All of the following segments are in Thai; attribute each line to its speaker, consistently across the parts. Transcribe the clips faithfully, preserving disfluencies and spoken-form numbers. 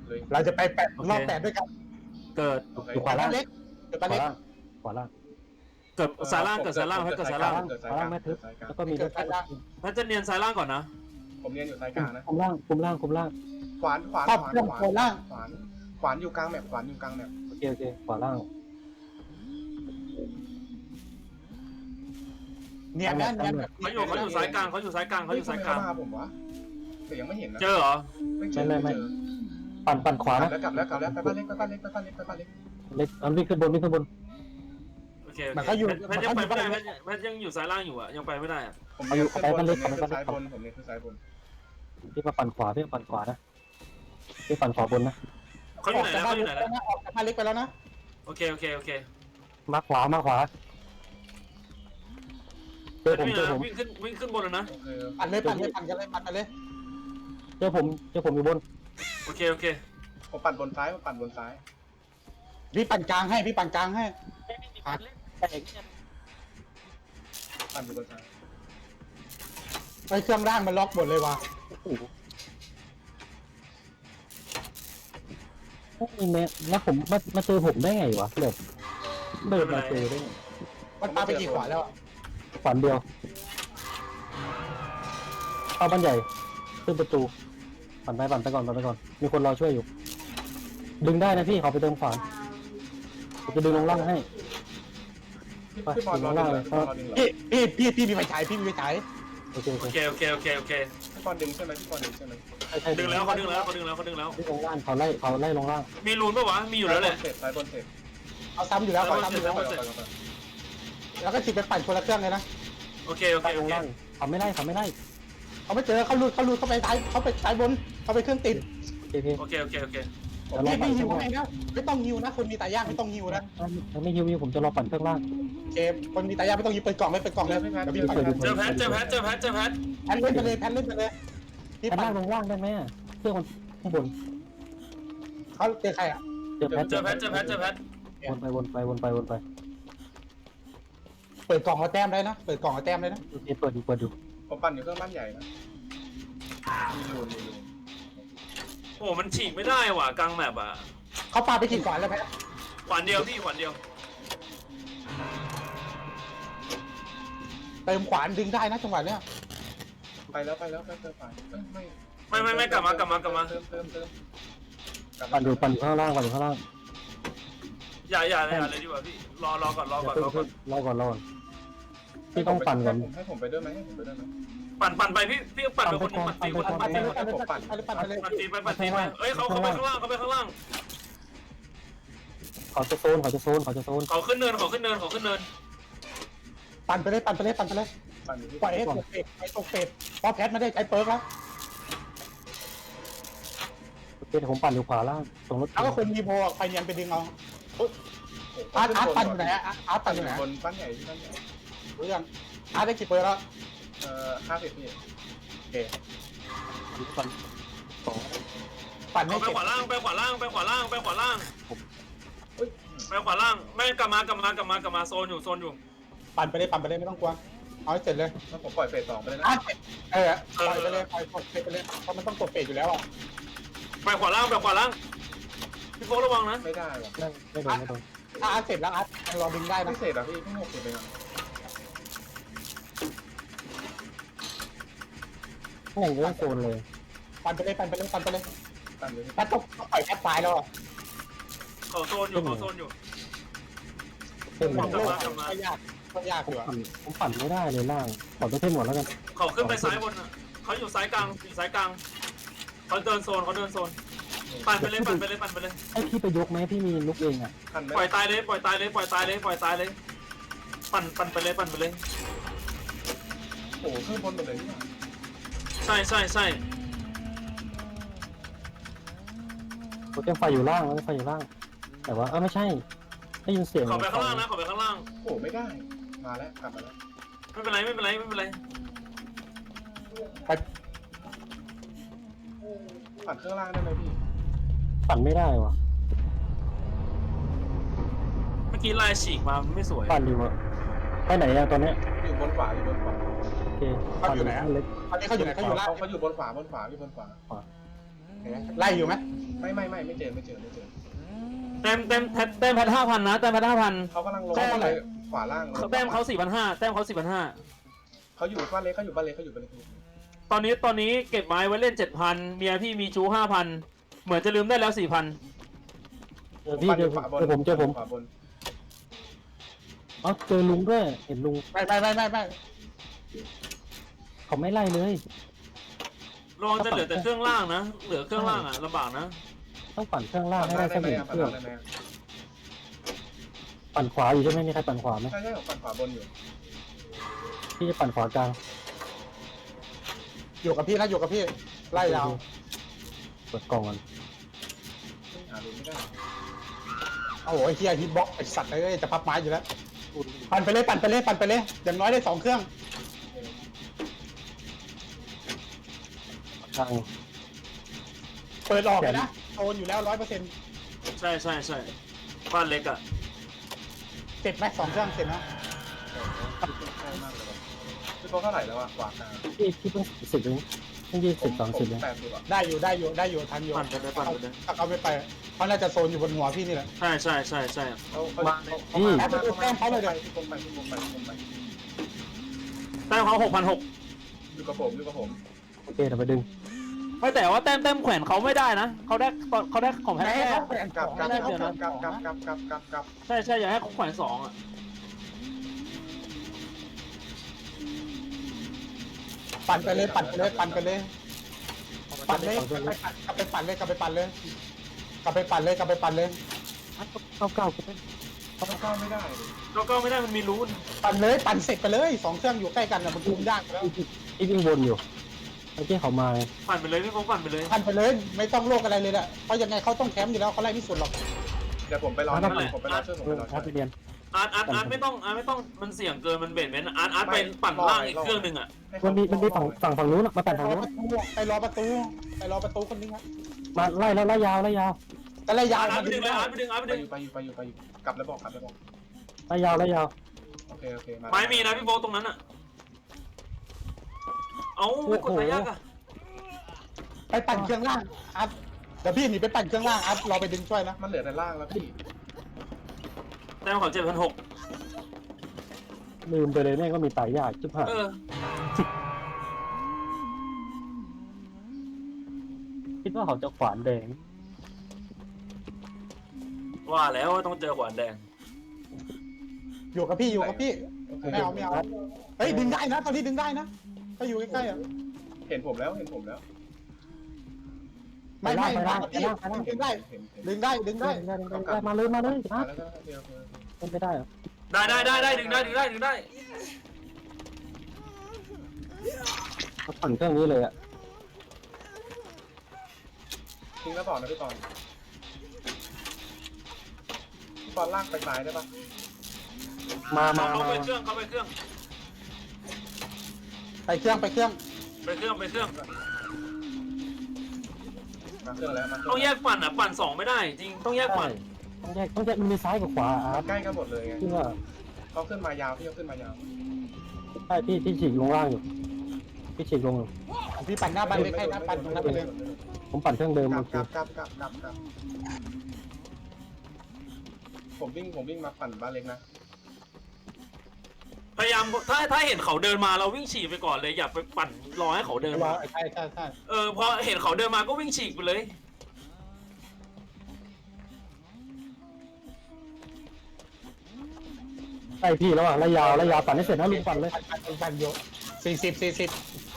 Speaker 1: เราจะไปแปดรอบแปดด้วยกัน
Speaker 2: เกิด
Speaker 3: อยู่ขวาล่าง
Speaker 1: เล็กเกิด
Speaker 3: ข
Speaker 1: ปลาว
Speaker 3: า
Speaker 1: เล็ก
Speaker 3: ล่างขวาล่าง
Speaker 2: เกิดซ้ายล่างเกิดซ้ายล่างแพทเกิดซ้ายล่าง
Speaker 3: ขวาล่างแม่ทึบแล้วก็มีรถ
Speaker 2: แพทจะเนียนซ้ายล่างก่อนนะ
Speaker 4: ผมเรียนอยู่สายกลางนะ
Speaker 3: คุมล่างคุมล่างคุมล่าง
Speaker 4: ขวานขวาน
Speaker 1: ครอบ
Speaker 4: ขวาน
Speaker 1: เครื่อง
Speaker 4: ขวาน
Speaker 1: โคล่าง
Speaker 4: ขวานขวานอยู่กลางแมปขวานอยู่กลางแมป
Speaker 3: โอเคโอเคขวาล่าง
Speaker 1: เนียนนะเนียนแบบ
Speaker 2: เขาอยู่เขาอยู่ซ้ายกลางเขาอยู่ซ้ายกลางเขาอยู่ซ้ายกลาง
Speaker 4: มาผมวะแต่ยังไม่เห็นนะ
Speaker 2: เจอเหรอ
Speaker 4: ไม่เจอไม่เจอ
Speaker 3: ปั่นปั่นขวาก
Speaker 4: ลั
Speaker 3: นะ
Speaker 4: บแล้วกลับแล้วกลับแล้วไปบ้านเล็กไปบ้านเล็กไปบ้านเล็กไปบ้านเล็ก
Speaker 3: เล็กอันวิ่งขึ้นบนวิ่งขึ้นบน
Speaker 2: โอเคแพทยังไปไม่ได้แพทยังอยู่ซ้ายล่างอยู่อ่ะยังไปไม่ได้อ่ะ
Speaker 4: ผมเรียนขึ้นบนผมเรียนขึ้นซ้ายบนผมเรียนขึ้นซ้ายบน
Speaker 3: พี่มาปั่นขวาพี่มาปั่นขวานะพี่ปั่นขวาบนนะ
Speaker 2: เขาอยู่ไหนแล้วเขาอยู่ไหนแล้ว
Speaker 1: ออกจากบ้านเล็กไปแล้วนะ
Speaker 2: โอเคโอเคโอเค
Speaker 3: มาขวามาขวาเจอผม
Speaker 2: วิ่ง
Speaker 3: เจอผม
Speaker 2: วิ่งขึ้นวิ่งขึ้นบนแล้วนะ
Speaker 4: โอเค
Speaker 1: ปั่นเลยปั่นเลยปั่นกันเลยปั่นกันเลย
Speaker 3: เจอผมเจอผมอยู่บน
Speaker 2: โอเคโอเค
Speaker 4: ผมปั่นบนซ้ายผมปั่นบนซ้าย
Speaker 1: พี่ปั่นกลางให้พี่ปั่นกลางให้
Speaker 4: ปั่นอยู่บนซ้าย
Speaker 1: ไอ้เครื่องร่างมันล็อกหมดเลยว่ะ
Speaker 3: นี่แม่แล้วผมมามาเจอผมได้ไงวะเลิศเดินมาเจอได้ไง
Speaker 1: มันปาไปกี่ขวาแล้ว
Speaker 3: ฝันเดียวเข้าบ้านใหญ่ขึ้นประตูปั่นไปปั่นไปก่อนปั่นไปก่อนมีคนรอช่วยอยู่ ดึงได้นะพี่เขาไปเติมขวานผมจะดึงลงล่างให้
Speaker 4: พี่บอลรอดึงเลยพี่บอลรอดึงเหรอ
Speaker 1: พี่พี่พี่พี่มีไฟฉายพี่มีไฟฉาย
Speaker 3: โอเคโอ
Speaker 2: โอ
Speaker 3: เค
Speaker 2: เคโอเคโอเคโอเค
Speaker 4: พี่บอลดึงใช่ไหมพี่บอลดึงใช่ไหม
Speaker 3: ใช่ใช่
Speaker 2: ดึงแล้วเขาดึงแล้วเขาดึงแล้วเขาดึงแล้ว
Speaker 3: ดึงลงล่างเขาไล่เขาไล่ลงล่าง
Speaker 2: มีรูนปะวะมีอยู่แล้วแหละ
Speaker 4: เสร็จซ้ายบนเสร็จ
Speaker 1: เอาซ้ำอยู่แล้วขอซ้ำอยู่แล้ว
Speaker 4: ไปไปไป
Speaker 1: แล้วก็ฉีดไปปั่นคนละเครื่องเลยนะ
Speaker 2: โอเคโอเค
Speaker 3: ไล่
Speaker 2: โอ
Speaker 3: ลง
Speaker 2: เค
Speaker 3: ล่างเขาไม่ไล่เขาไม่ไล่
Speaker 1: เขาไม่เจอเขาลุดเขาลุดเขาไปซ้ายเขาไปซ้ายบนเขาไปเครื่องติด
Speaker 3: โอเคโอเค
Speaker 2: โอเคโอเคโอเค
Speaker 3: จะรอ
Speaker 1: พี่
Speaker 3: ปั่
Speaker 1: ไม่
Speaker 3: น
Speaker 1: ฮิ
Speaker 3: ข้าว งล่าง
Speaker 1: ให้นะไม่ต้องฮิวนะคนมีตายากไม่ต้องฮิวนะ
Speaker 3: ไม่ฮิวฮิวผมจะรอปั่นเครื่องล่าง
Speaker 1: เกมคนมีตายากไม่ต้องฮิวเปิดกล่องเลยเปิดกล่องเลย
Speaker 4: พี่แพท
Speaker 1: เดี๋ยว
Speaker 4: พี่
Speaker 1: พี่ปั่น
Speaker 4: แพท
Speaker 2: เจอแพทเจอแพทเจอแพทเจอแพท
Speaker 1: แพนเล่นไปเลยแพนเล่นไปเลยพี่
Speaker 3: แพน
Speaker 1: ปั่
Speaker 3: ล่าน งลงล่างได้ไหมเครื่องมันข้างบน
Speaker 1: เขาเจอใครอ่ะ
Speaker 3: เจอแพท
Speaker 2: เจอแพทเจอแพทเจอแพท
Speaker 3: วนไปวนไปวนไปวนไป
Speaker 1: เปิดกล่องเอาแต้มได้นะเปิดกล่องเอาแต้มได้นะ
Speaker 3: โอเคเปิดอยู่เปิดอยู่
Speaker 4: ผมปั่นอยู่เครื่องบ้านใหญ่นะมีรูนมีรูน
Speaker 2: โอ้มันฉีกไม่ได้ว่ะกลางแมปอ่ะ
Speaker 1: เขาปาไปกี่ขวานแล้วแพท
Speaker 2: ขวานเดียวพี่ขวานเดียว
Speaker 1: เติมขวานดึงได้นะจังหวะเนี้ย
Speaker 4: ไปแล้วไปแล้วไปเติมไปไม่
Speaker 2: ไม่ไม่ไม่กลับมากลับมากลับมา
Speaker 4: เติมเติมเติม
Speaker 3: ปั่นอยู่ปั่นอยู่ข้างล่างปั่นอยู่ข้างล่าง
Speaker 2: อย่าอย่าอย่าเลยดีกว่าพี่รอรอก่อนรอก่อนรอก่อน
Speaker 3: รอก่อนรอก่อนพี่ต้องปั่นก่อน
Speaker 4: ให้ผมไปด้วยไหมให้ผมไปด้วยไหม
Speaker 2: ปั่นปั่นไปพี่พี่ปั่นไปคนนึงปั่นตีคนนึง
Speaker 1: ปั่นไปเลยปั่นไปเลยปั่นไปเลยปั่นไปเลย
Speaker 2: ปั่นตีไปปั่นตีไปเอ้ยเขาเขาไปข้างล่างเขาไปข้างล่าง
Speaker 3: เขาจะโซนเขาจะโซนเขาจะโซน
Speaker 2: เขาขึ้นเนินเขาขึ้นเนินเขาขึ้นเนิน
Speaker 1: ปั่นไปเลยปั่นไปเลยปั่นไปเลย
Speaker 4: ปั่นอยู่ที่
Speaker 1: ปล่อยให้ตกเป็ดให้ตกเป็ดพอแพทไม่ได้ใช้เปิร์กแล้ว
Speaker 3: โอเคผมปั่นอยู่ขวาล่างตรงรถ
Speaker 1: แล้วก็คนมีโบไปเนียนไปดึงเอาอาร์ตอาร์ตปั่นอยู่ไหนอาร์ตปั่นอยู่ไหน
Speaker 4: บนบ้านใหญ่ที่บ้านใหญ่
Speaker 1: รู้ยังอาร์ตได้กี่เปิร์กแล้ว
Speaker 4: เอ่อห้าสิบพี่
Speaker 1: โอเค
Speaker 3: ปั่นสอง
Speaker 1: ปั่นให้
Speaker 2: เขาไป
Speaker 1: เก็บ
Speaker 2: ขวาล่างไปขวาล่างไปขวาล่างไปขวาล่าง
Speaker 4: เฮ้ย
Speaker 2: ไปขวาล่างไม่กลับมากลับมากลับมากลับมาโซนอยู่โซนอยู่
Speaker 1: ปั่นไปเลยปั่นไปเลยไม่ต้องกลัวเอาให้เสร็จเลย
Speaker 4: แล้วผมปล่อยเฟสสองไปเลยนะ
Speaker 1: อาร์ตเออปล่อยไปเลยปล่อยตกเป็ดไปเลยเพราะมันต้องตกเป็ดอยู่แล้วอ่ะ
Speaker 2: ไปขวาล่างไปขวาล่างพี่โฟระวังนะ
Speaker 4: ไม่ได้หรอก
Speaker 3: ไม่ไม่โดนไม่โดน
Speaker 1: ถ้าอาร์ตเสร็จแล้วอาร์ตรอดึงได้นะ
Speaker 4: พิเศษอ่ะพี่พี่หกสิบเองอ่ะ
Speaker 3: ข้างในก็โซนเลย
Speaker 1: ปั่นไปเลยปั่นไปเลยปั่นไปเลย
Speaker 4: ปั่นอยู่ที่
Speaker 1: แพทต้องปล่อยแพทตายแล้วอ่ะ
Speaker 2: เขาโซนอยู่เขาโซนอยู่
Speaker 3: เส้น
Speaker 1: มันโลกก็ยากก็ยากอยู่อ่ะ
Speaker 3: ปั่นผมปั่นไม่ได้เลยล่างขอตัวเส้นหมดแล้วกัน
Speaker 2: เขาขึ้นไปซ้ายบนเขาอยู่ซ้ายกลางอยู่ซ้ายกลางเขาเดินโซนเขาเดินโซนปั่นไปเลยปั่นไปเลยปั่นไปเลย
Speaker 3: ให้พี่ไปยกไหมพี่มีลุกเองอ่ะ
Speaker 4: ปั่นไม่
Speaker 2: ปล่อยตายเลยปล่อยตายเลยปล่อยตายเลยปล่อยตายเลยปั่นปั่นไปเลยปั่นไปเลย
Speaker 4: โอ้โหขึ้นบนหมดเลยนี่หว่า
Speaker 2: ใช่ใช่ใช่
Speaker 3: โปรแกรมไฟอยู่ล่างแล้วไฟอยู่ล่าง แต่ว่าเออไม่ใช่ได้ยินเสียง
Speaker 2: เขาไปข้างล่างนะเขาไปข้างล่าง
Speaker 4: โอ้โหไม่ได้มาแล้วกลับมาแล้ว
Speaker 2: ไม่เป็นไรไม่เป็นไรไม่เป็นไร
Speaker 1: ไป
Speaker 4: ปั่นเครื่องล่างได้ไหมพี่
Speaker 3: ปั่นไม่ได้วะ
Speaker 2: เมื่อกี้ลายฉีกมาไม่สวย
Speaker 3: ปั่นอยู่อะไปไหนอะตอนเนี้ย
Speaker 4: อยู่บนขวาอยู่บนขวา
Speaker 3: โอเคปั่นอยู่เล็ก
Speaker 1: ตอนนี้เขาอยู่ไหนเขาอยู่ล่าง
Speaker 4: เขาเขาอยู่บนขวาบนขวาอยู่บนขวา
Speaker 1: ไล่อยู่ไหม
Speaker 4: ไม่ไม่ไม่ไม่เจอไม่เจอไม่เจอ
Speaker 2: แต้มแต้มแต้มแต้มแพทห้าพันนะแต้มแพทห้าพัน
Speaker 4: เขากำลังลงไปขวาล่าง
Speaker 2: แต้มเขาสี่พันห้าแต้มเขาสี่พันห้า
Speaker 4: เขาอยู่บ้านเล็กเขาอยู่บ้านเล็กเขาอยู่บ้านเล็ก
Speaker 2: ตอนนี้ตอนนี้เก็บไม้ไว้เล่นเจ็ดพันเมียพี่มีชู้ห้าพันเหมือนจะลืมได้แล้วสี่พัน
Speaker 3: เจอพี่เจอผมเจอผมเจอผม
Speaker 4: ขวาบน
Speaker 3: เอ้าเจอลุงด้วยเห็นลุง
Speaker 1: ไม่ไม่ไม่ไม่ไม่
Speaker 3: เขาไม่ไล่เลย
Speaker 2: ลองจะเหลือแต่เครื่องล่างนะเหลือเครื่องล่างอ่ะลำบากนะ
Speaker 3: ต้องปั่นเครื่องล่างให้ได้สักหนึ่งเค
Speaker 4: ปั่น
Speaker 3: รื่อง
Speaker 4: ได้ไหม
Speaker 3: ปั่นขวาอยู่ใช่ไหมมีใครปั่นขวาไหม
Speaker 4: ใช่ใช่ของปั่นขวาบนอยู่
Speaker 3: พี่จะปั่นขวากลาง
Speaker 1: อยู่กับพี่นะอยู่กับพี่ไล่ยาว
Speaker 3: เปิดกล่องก่อน
Speaker 4: หาดูไม่ได้
Speaker 1: โอ้โหไอ้เฮียฮิตบ็อกไอ้สัตว์เลยจะพับไม้อยู่แล้วปั่นไปเลยปั่นไปเลยปั่นไปเลยอย่างน้อยได้สองเครื่อง
Speaker 3: กลาง
Speaker 1: เปิดออกเลยนะโอนอยู่แล้วร้อยเปอร์เซ็นต์
Speaker 2: ใช่ใช่ใช่บ้านเล็กอ่ะ
Speaker 1: เสร็จไหมสองเครื่องเสร็จนะ
Speaker 4: ใช่มากเลยพี่โตเท่าไหร่แล้วอะขวากลาง
Speaker 3: พี่พี่เพิ่งสิบเองเพิ่งยี่สิบสามสิบเอง
Speaker 4: แปดสิบอะ
Speaker 1: ได้อยู่ได้อยู่ได้อยู่ทันอยู่
Speaker 2: ปั่นไปเลยปั่นไปเลย
Speaker 1: ถ้าเขาไม่ไปเขาน่าจะโซนอยู่บนหัวพี่นี่แหละ
Speaker 2: ใช่ใช่ใช่ใช่
Speaker 4: เขาเขาเขาเขาไปพี่ผมไปพี่ผมไปพี่ผมไป
Speaker 2: แต้มเขาหกพันหก
Speaker 4: อยู่กับผมอยู่กับผม
Speaker 3: โอเคเดี๋ยวไปดึง
Speaker 2: ไม่แต่ว่าแต้มแต้มแขวนเขาไม่ได้นะเขาได้เขาได้ของแพท
Speaker 1: แม่
Speaker 2: แค่
Speaker 1: เขาแขวน
Speaker 4: กลับ
Speaker 1: ของ
Speaker 4: กลับ
Speaker 1: ได้
Speaker 4: ก
Speaker 1: เขา
Speaker 4: ลับ
Speaker 1: แขวน
Speaker 4: กลับ
Speaker 1: ข
Speaker 4: กลั
Speaker 1: อบ ง
Speaker 4: กลับกลับกลับกลับ
Speaker 2: ใช่ใช่อย่าให้เขาแขวนสองอ่ะ
Speaker 1: ปั่นไปเลยปั่นไปเลยปั่นไปเลยปั่นเลยกลับไปปั่นเลยกลับไปปั่นเลยกลับไปปั่นเลยกลับไปปั่นเลย
Speaker 3: เก้าเก้าก็เป็น
Speaker 4: เขาเข้าไม่ได้
Speaker 2: ก็ก็ไม่ได้มันมีรูน
Speaker 1: ปั่นเลยปั่นเสร็จไปเลยสองเครื่องอยู่ใกล้กันนะมันคุมยากแล้ว
Speaker 3: พี่พี่วิ่งวนอยู่เมื่อกี้เขามาไง
Speaker 2: ปั่นไปเลยพี่โฟกปั่นไปเลย
Speaker 1: ปั่นไปเลยไม่ต้องโลกอะไรเลยแหละเพราะยังไงเขาต้องแคมป์อยู่แล้วเขาไล่ไม่สุดหรอก
Speaker 4: เดี๋ยวผมไปรอผมไปรอช่วยผม
Speaker 3: เอ
Speaker 4: ไป
Speaker 3: อ
Speaker 4: รอ
Speaker 3: แอ
Speaker 4: ช่ว
Speaker 3: ปไป
Speaker 4: ย
Speaker 3: เรียน
Speaker 2: อาร์ตอาร์ตอาร์ตไม่ต้องอาร์ตไม่ต้องมันเสี่ยงเกินมันเบ็ดเม้นอาร์ตอาร์ตไปปั่นล่างอีกเครื่องหนึ่งอ่ะ
Speaker 3: มันมีมันมีฝั่งฝั่งฝั่งนู้นอะมาปั่น
Speaker 1: ไป
Speaker 3: ฝั่ง
Speaker 1: รอ
Speaker 3: นู้
Speaker 1: ป
Speaker 3: น
Speaker 1: ระตูไปรอประตูไปรอประตูคนนึงครับ
Speaker 3: มาไล่แล้วไล่ยาวไล่ยาว
Speaker 1: แต่ระยะ
Speaker 2: อาร์ต
Speaker 1: มัน
Speaker 2: ไปดึงเลยอาร์ตไปดึงอาร์ตไป
Speaker 4: ไป
Speaker 2: ดึง
Speaker 4: อยู่ไปอยู่ไปอยู่ไปอยู่กลับแล้วบอกกลับแล้วบอก
Speaker 3: ไล่ยาวไล่ยาว
Speaker 4: โอเคโอเคมา
Speaker 2: ไม้มีนะพี่โฟกตรงนั้นอ่ะเอ้ากดไปยากอ่ะ
Speaker 1: ไปปั่นเครื่องล่างอัพเดี๋ยวพี่หนีไปปั่นเครื่องล่างอัพเราไปดึงช่วยนะ
Speaker 4: มันเหลือแต่ล่างแล้วพี่
Speaker 2: แต้มเขาเจ็ดพันหก
Speaker 3: ลืมไปเลยแม่งก็มีตายยากจุ๊บหาย
Speaker 2: เออ
Speaker 3: คิดว่าเขาจะขวานแดง
Speaker 2: ว่าแล้วว่าต้องเจอขวานแดง
Speaker 1: อยู่กับพี่อยู่กับพี่
Speaker 4: โอเค
Speaker 1: ไม่เอาไม่เอาเฮ้ยดึงได้นะตอนนี้ดึงได้นะถ้าอยู่ใกล้ๆอ่ะ
Speaker 4: เห็นผมแล้วเห็นผมแล้ว
Speaker 1: ไม่ไม่ไม่พี่ดึงได้
Speaker 4: เห็นเห็น
Speaker 1: ดึงได้ดึงได้
Speaker 3: ได้ได้ได้มาเลยมาเลย
Speaker 4: มา
Speaker 3: นะ
Speaker 4: แล้วก็เดียว
Speaker 3: เป็นไปได้เหรอ
Speaker 2: ได้ได้ได้ได้ดึงได้ดึงได้ดึงได้
Speaker 3: เขาปั่นเครื่องนี้เลยอะ
Speaker 4: ทิ้งแล้วบอกนะพี่ปอนพี่ปอนลากไปซ้ายได้ปะ
Speaker 3: มามา
Speaker 2: เขา
Speaker 3: มา
Speaker 2: ไปเครื่องเขาไปเครื่อง
Speaker 1: ไปเครื่องไปเครื่อง
Speaker 2: ไปเครื่องไปเครื่อง
Speaker 4: มาเครื่องแล้วมา
Speaker 2: ต้องแยกปั่นอ่ะปั่นสองไม่ได้จริงต้องแยก
Speaker 3: ใช่
Speaker 2: ปั่น
Speaker 3: ต้องแยกต้องแยกมันมีซ้ายกับขวาอาร์ต
Speaker 4: ใกล้กันหมดเลยไง
Speaker 3: ที่ว่า
Speaker 4: เขาขึ้นมายาวพี่เขาขึ้นมายาว
Speaker 3: ใช่พี่พี่ฉีกลงล่างอยู่พี่ฉีกลงอยู่
Speaker 1: พี่ปั่นหน้าบ้านเลยใกล้หน้าปั่นตรงนั้นไปเลย
Speaker 3: ผมปั่นเครื่องเดิม
Speaker 4: กลั
Speaker 3: โอบ เค
Speaker 4: กลับกลับกลับกลับกลับผมวิ่งผมวิ่งมาปั่นบ้านเล็กนะ
Speaker 2: พยายามถ้าถ้าเห็นเขาเดินมาเราวิ่งฉีกไปก่อนเลยอย่าไปปั่นรอให้เขาเดิน
Speaker 1: รอ
Speaker 2: มา
Speaker 1: ใช่ใช่ใช่
Speaker 2: เออพอเห็นเขาเดินมาก็วิ่งฉีกไปเลย
Speaker 3: ใช่พี่แล้วอ่ะไล่ยาวไล่ยาวปั่นให้เสร็จนะลุงปั่นเลย
Speaker 1: ปั่นปั่นปั่นอยู่สี่สิบสี่สิบ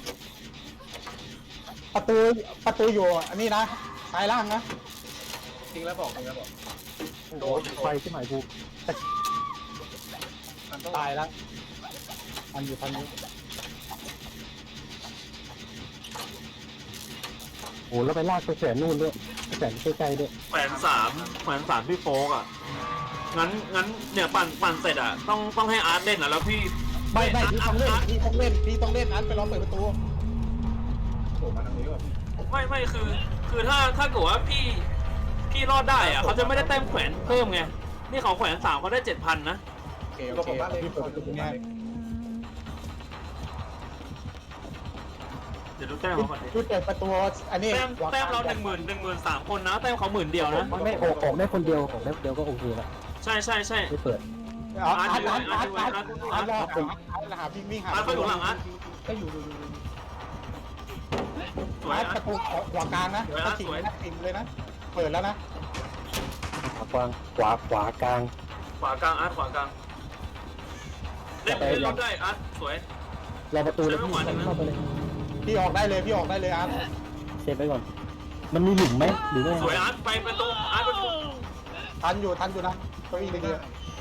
Speaker 1: ประตูประตูอยู่อันนี้นะซ้ายล่างนะ
Speaker 4: ทิ้งแล้วบอกทิ้งแล้วบอก
Speaker 3: โอ้โหไฟที่หมายกู
Speaker 4: มันต้อง
Speaker 1: ตายแล้วมันอยู่ทางนี้
Speaker 3: โอ้โหแล้วไปลากไปแขวนนู่นด้วยแขวนใกล้ๆด้วย
Speaker 2: แขวนสามแขวนสามพี่โฟกอ่ะงั้นงั้นเนี่ยปั่นปั่นเสร็จอ่ะต้องต้องให้อาร์ตเล่นอ่ะแล้วพี่
Speaker 1: ไม่ไม่พี่ต้องเล่น
Speaker 2: อาร์ต
Speaker 1: พี่ต้องเล่นพี่ต้องเล่นอันไปรอเปิดประตู
Speaker 4: โผล่มาทางนี้ว่ะพี่
Speaker 2: ไม่ไม่คือ คือถ้าถ้าเกิดว่าพี่พี่รอดได้อ่ะเขาจะไม่ได้แต้มแขวนเพิ่มไงนี่เขาแขวนสามเขาได้เจ็ดพันนะ
Speaker 1: โอเค
Speaker 4: อยู่
Speaker 1: โอ
Speaker 4: กับ
Speaker 1: เค
Speaker 4: ผมบ้านเล็ก
Speaker 1: พี่เปิดประตู
Speaker 4: อยู่กับผม
Speaker 1: ง่า
Speaker 4: บ้าย นเล็ก
Speaker 2: ดี๋ยวดูแต้มเขาก่อนดิ
Speaker 1: พี่เปิดประตูอันนี้
Speaker 2: แต้มแต้มเราหนึ่งหมื่นหนึ่งหมื่นสามคนนะแต้มเขาหมื่นเดียวนะ
Speaker 3: ไม่ออกออกได้คนเดียวออกได้คนเดียวก็โอเคละ
Speaker 2: ใช่ใช่ใช่
Speaker 3: ไม่เปิด
Speaker 1: อาร์ตอาร์ตอาร์ตอาร์ตอาร์ตอาร์ตอาร์ตอาร์ตหาวิ่งวิ่งหา
Speaker 2: อาร์ตเขาอยู่หลังอาร์ต
Speaker 1: ก็อยู่ดูดู
Speaker 2: สวย
Speaker 1: อาร์ต
Speaker 2: อา
Speaker 1: ป
Speaker 2: ร์ต
Speaker 1: ระตูขวากลางนะ
Speaker 2: สวยนะ
Speaker 1: ถิง
Speaker 2: สวย
Speaker 1: นะถิงเลยนะเปิดแล้วนะ
Speaker 3: ขวากลางขวาขวากลาง
Speaker 2: ขวากลางอาร์ตขวากลางเล่นเล่นรอบได้อาร์ตสวย
Speaker 3: รอประตูเลยพี่
Speaker 2: ใช้ไม่หวานนะ
Speaker 3: เข้าไปเลย
Speaker 1: พี่ออกได้เลยพี่ออกได้เลยอาร์ต
Speaker 3: เซฟไปก่อน มันมีหลุมไหมหรือไม่
Speaker 2: สวยอาร์ตไปประตูอาร์ตประตู
Speaker 1: ทันอยู่ทันอยู่นะเก้าอี้เลยเดียว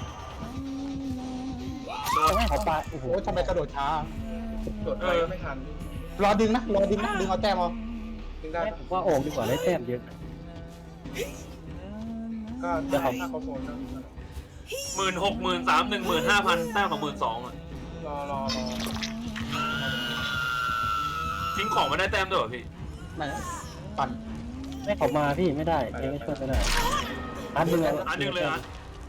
Speaker 3: ต้องให้เขาปาโอ้โห
Speaker 1: โอ้ทำไมกระโดดช้า
Speaker 4: โดดไปไม่ทัน
Speaker 1: รอดึงนะรอดึงนะดึงเอาแต้มเอา
Speaker 4: ดึงได้
Speaker 3: ผมว่าออกดีกว่าได้แต้มเยอะ
Speaker 4: ก็ถ้าเขาโฟนก็
Speaker 2: หมื่นหกหมื่นสามหนึ่งหมื่นห้าพันแต้มของหมื่นสองอ่ะ
Speaker 4: รอรอรอ
Speaker 2: ทิ้งของมาได้แต้มด้วยเหรอพี่
Speaker 1: ไม่ปั่น
Speaker 3: ให้เขามาพี่ไม่ได้เองไม่ช่วยไม่ได้อาร์ตดึงเอา
Speaker 2: อาร์ตดึงเลยอาร์ต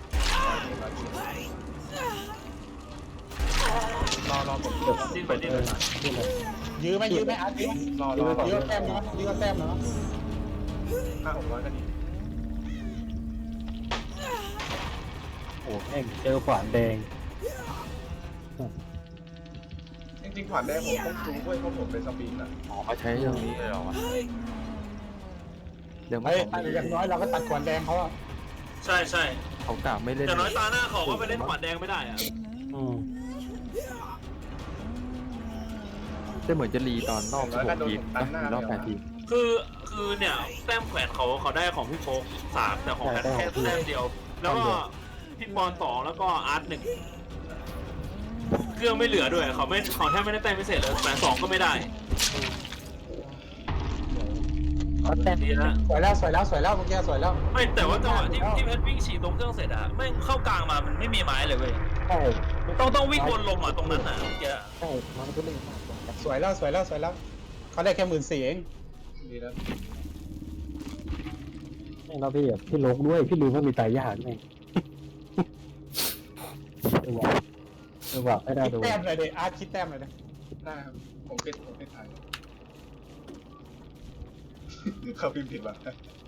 Speaker 4: รอรอผม
Speaker 3: เดี๋ยว
Speaker 2: ดิ้นไปดิ้น
Speaker 3: เอ
Speaker 2: ไป
Speaker 3: อดิ้นเลย
Speaker 1: ยื้อไหมยื้อไหมอาร์ตยื้อ
Speaker 4: รอรอ
Speaker 1: ยื้อแต้มนะยื้อแต้มนะ
Speaker 4: ห้าหกร้อยก็ดี
Speaker 3: โอ้แม่งเจอขวานแดง
Speaker 4: จริงๆผ่านได้ผมต้องจูด้วยเพราะผมเป็นสปริงอ่ะ
Speaker 5: อ๋อเขาใช้ตรงนี้เลยเหรอวะเดี๋ยวไม่
Speaker 1: เฮ้ย
Speaker 5: ของ
Speaker 1: อย่างน้อยเราก็ตัดขวานแดงเขาอะ
Speaker 2: ใช่ใช่
Speaker 5: เขากล่าวไม่เล่น
Speaker 2: แต่น้อยตาหน้าเขาก็ไปเล่นขวานแดงไม่ได้อ่ะ
Speaker 3: อืม
Speaker 5: จะเหมือนจะรีตอนรอบสิบหกทีมนะรอบแปดทีม
Speaker 2: คือคือเนี่ยแต้มแขวนเขาเขาได้ของพี่โฟกสามแต่ของแพทแค่แต้มเดียว แล้วก็พี่ปอนสองแล้วก็อาร์ตหนึ่งเครื่องไม่เหลือด้วยเขาไม่เขาแทบไม่ได้แต้มพิเศษเลยแต่สองก็ไม่ได้
Speaker 3: เขาแต้ม
Speaker 2: ดีนะ
Speaker 1: สวยแล้วสวยแล้วสวยแล้วเมื่อกี้สวยแล้ว
Speaker 2: ไม่แต่ว่าจังหวะที่ที่เพชรวิ่งฉีดตรงเครื่องเสร็จอะไม่งเข้ากลางมามันไม่มีไม้เลยเว้ย
Speaker 3: ใช่
Speaker 2: ต้องต้องวิ่งวนลมอะตรงนั้นอะเมื่อกี้อะ
Speaker 3: ใช่มันก็เล่นมากกว่า
Speaker 1: สวยแล้วสวยแล้วสวยแล้วเขาได้แค่หมื่นสี่เอง
Speaker 4: ดีแล้ว
Speaker 3: ไม่แล้วพี่แบบพี่ลกด้วยพี่ลืมว่ามีตายยากไงเออว่ะเออว่ะไม่ได้
Speaker 1: คิด
Speaker 3: ดู
Speaker 1: แต้มเลยดิอาร์ตคิดแต้มเลยดิ
Speaker 4: ได้ครับผมเป็นผมเป็นไทยเขาพิมพ์ผิดว่ะ